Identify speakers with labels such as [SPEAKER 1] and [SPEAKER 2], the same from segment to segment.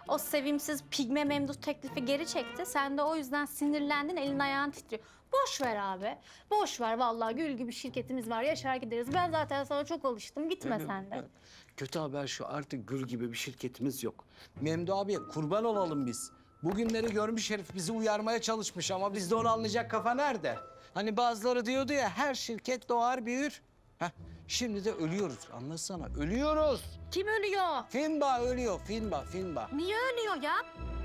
[SPEAKER 1] O sevimsiz pigme Memduh teklifi geri çekti. Sen de o yüzden sinirlendin, elin ayağın titriyor. Boş ver abi. Boş ver vallahi, gül gibi şirketimiz var. Yaşar gideriz. Ben zaten sana çok alıştım. Gitme sen de.
[SPEAKER 2] Kötü haber şu, artık gül gibi bir şirketimiz yok. Memdu abiye kurban olalım biz. Bugünleri görmüş herif, bizi uyarmaya çalışmış ama bizde onu anlayacak kafa nerede? Hani bazıları diyordu ya, her şirket doğar büyür. Heh, şimdi de ölüyoruz, anlasana, ölüyoruz.
[SPEAKER 1] Kim ölüyor?
[SPEAKER 2] Finba ölüyor, Finba.
[SPEAKER 1] Niye ölüyor ya?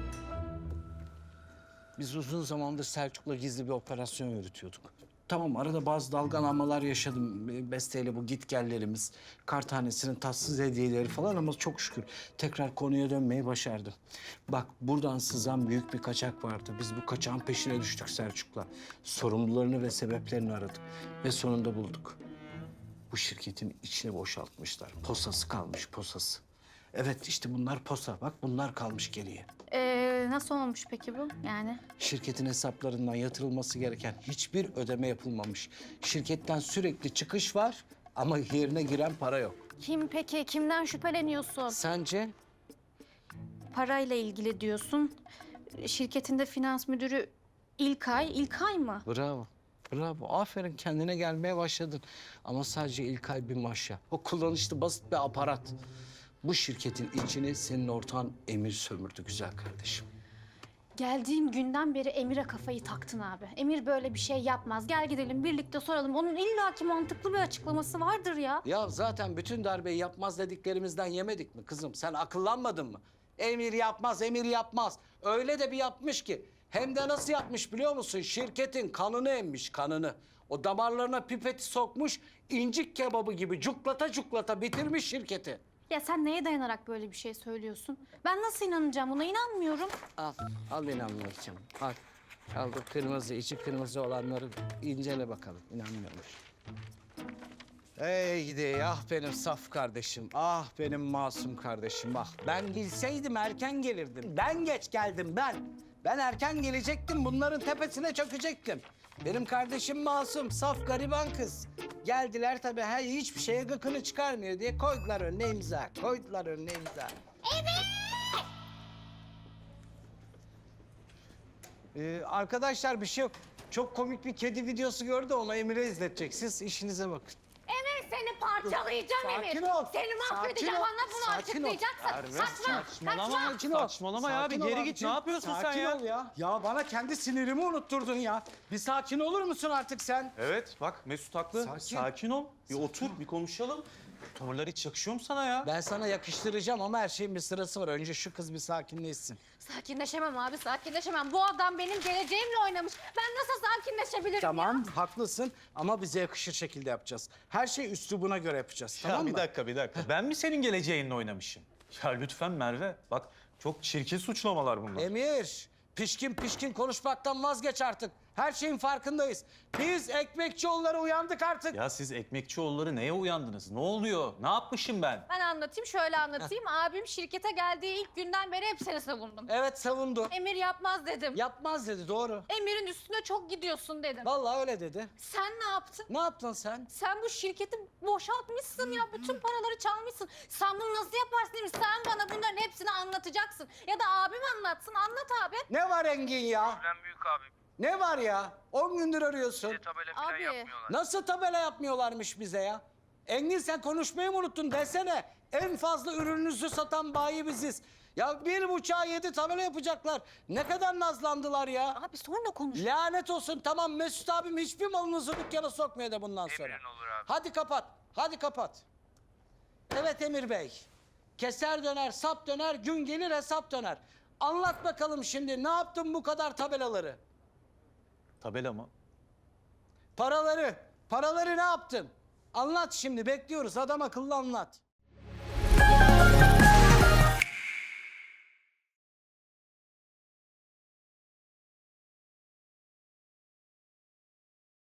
[SPEAKER 2] Biz uzun zamandır Selçuk'la gizli bir operasyon yürütüyorduk. Tamam, arada bazı dalgalanmalar yaşadım. Besteyle bu gitgellerimiz, kar tanesinin tatsız hediyeleri falan ama çok şükür tekrar konuya dönmeyi başardım. Bak, buradan sızan büyük bir kaçak vardı. Biz bu kaçağın peşine düştük Selçuk'la. Sorumlularını ve sebeplerini aradık ve sonunda bulduk. Bu şirketin içini boşaltmışlar. Posası kalmış, posası. Evet, işte bunlar posa. Bak, bunlar kalmış geriye.
[SPEAKER 1] Nasıl olmuş peki bu yani?
[SPEAKER 2] Şirketin hesaplarından yatırılması gereken hiçbir ödeme yapılmamış. Şirketten sürekli çıkış var ama yerine giren para yok.
[SPEAKER 1] Kim peki? Kimden şüpheleniyorsun?
[SPEAKER 2] Sence?
[SPEAKER 1] Parayla ilgili diyorsun. Şirketinde finans müdürü İlkay. İlkay mı?
[SPEAKER 2] Bravo. Bravo. Aferin, kendine gelmeye başladın. Ama sadece İlkay bir maşa. O kullanışlı basit bir aparat. Bu şirketin içini senin ortağın Emir sömürdü güzel kardeşim.
[SPEAKER 1] Geldiğim günden beri Emir'e kafayı taktın abi. Emir böyle bir şey yapmaz. Gel gidelim birlikte soralım. Onun illaki mantıklı bir açıklaması vardır ya.
[SPEAKER 2] Ya zaten bütün darbeyi yapmaz dediklerimizden yemedik mi kızım? Sen akıllanmadın mı? Emir yapmaz, Emir yapmaz. Öyle de bir yapmış ki. Hem de nasıl yapmış biliyor musun? Şirketin kanını emmiş, kanını. O damarlarına pipeti sokmuş, incik kebabı gibi cuklata cuklata bitirmiş şirketi.
[SPEAKER 1] Ya sen neye dayanarak böyle bir şey söylüyorsun? Ben nasıl inanacağım buna? İnanmıyorum.
[SPEAKER 2] Al inanmayacağım. Al bu kırmızı, içi kırmızı olanları incele bakalım. İnanmıyormuş. Ey gidi, ah benim saf kardeşim, ah benim masum kardeşim, ah. Ben bilseydim erken gelirdim. Ben geç geldim, ben. Ben erken gelecektim, bunların tepesine çökecektim. Benim kardeşim masum, saf, gariban kız. Geldiler tabii, hiçbir şeye gıkını çıkarmıyor diye koydular önüne imza. Koydular önüne imza. Arkadaşlar bir şey yok. Çok komik bir kedi videosu gördü, onu Emir'e izletecek. Siz işinize bakın.
[SPEAKER 1] Emir seni parçalayacağım Emir.
[SPEAKER 2] Sakin ol.
[SPEAKER 1] Seni mahvedeceğim.
[SPEAKER 2] Sakin ol.
[SPEAKER 1] Bana bunu
[SPEAKER 2] Sakin ol.
[SPEAKER 1] açıklayacaksın. Saçma.
[SPEAKER 3] Saçmalama ya, bir geri git. Ne yapıyorsun sen ya?
[SPEAKER 2] Sakin ol ya. Ya bana kendi sinirimi unutturdun ya. Bir sakin olur musun artık sen?
[SPEAKER 3] Evet, bak Mesut haklı.
[SPEAKER 2] Sakin.
[SPEAKER 3] Sakin ol. Bir otur, bir konuşalım. Tavırlar hiç yakışıyor mu sana ya?
[SPEAKER 2] Ben sana yakıştıracağım ama her şeyin bir sırası var. Önce şu kız bir sakinleşsin.
[SPEAKER 1] Sakinleşemem abi, sakinleşemem. Bu adam benim geleceğimle oynamış. Ben nasıl sakinleşebilirim
[SPEAKER 2] Tamam, haklısın ama bize yakışır şekilde yapacağız. Her şey üslubuna göre yapacağız,
[SPEAKER 3] Ya
[SPEAKER 2] tamam mı?
[SPEAKER 3] bir dakika. Ben mi senin geleceğinle oynamışım? Ya lütfen Merve, bak çok çirkin suçlamalar bunlar.
[SPEAKER 2] Emir, pişkin konuşmaktan vazgeç artık. Her şeyin farkındayız. Biz Ekmekçioğulları uyandık artık.
[SPEAKER 3] Ya siz Ekmekçioğulları neye uyandınız? Ne oluyor? Ne yapmışım ben?
[SPEAKER 1] Ben anlatayım, şöyle anlatayım. Abim şirkete geldiği ilk günden beri hep seni savundum.
[SPEAKER 2] Evet, savundu.
[SPEAKER 1] Emir yapmaz dedim.
[SPEAKER 2] Yapmaz dedi, doğru.
[SPEAKER 1] Emir'in üstüne çok gidiyorsun dedim.
[SPEAKER 2] Vallahi öyle dedi.
[SPEAKER 1] Sen ne yaptın?
[SPEAKER 2] Ne yaptın sen?
[SPEAKER 1] Sen bu şirketi boşaltmışsın ya. Bütün paraları çalmışsın. Sen bunu nasıl yaparsın Emir? Sen bana bunların hepsini anlatacaksın. Ya da abim anlatsın. Anlat abi.
[SPEAKER 2] Ne var Engin ya?
[SPEAKER 4] Problem büyük abi.
[SPEAKER 2] Ne var ya? 10 gündür arıyorsun.
[SPEAKER 4] Bize tabela falan
[SPEAKER 1] Abi.
[SPEAKER 4] yapmıyorlar.
[SPEAKER 2] Nasıl tabela yapmıyorlarmış bize ya? Engin sen konuşmayı mı unuttun desene. En fazla ürününüzü satan bayi biziz. Ya 1,5'a 7 tabela yapacaklar. Ne kadar nazlandılar ya.
[SPEAKER 1] Abi sonra konuş.
[SPEAKER 2] Lanet olsun, tamam Mesut abim hiçbir malınızı dükkana sokmuyor da bundan sonra.
[SPEAKER 4] Emrin olur abi.
[SPEAKER 2] Hadi kapat. Evet Emir Bey. Keser döner, sap döner, gün gelir hesap döner. Anlat bakalım şimdi, ne yaptın bu kadar tabelaları?
[SPEAKER 3] Tabela mı?
[SPEAKER 2] Paraları ne yaptın? Anlat şimdi, bekliyoruz, adam akıllı anlat.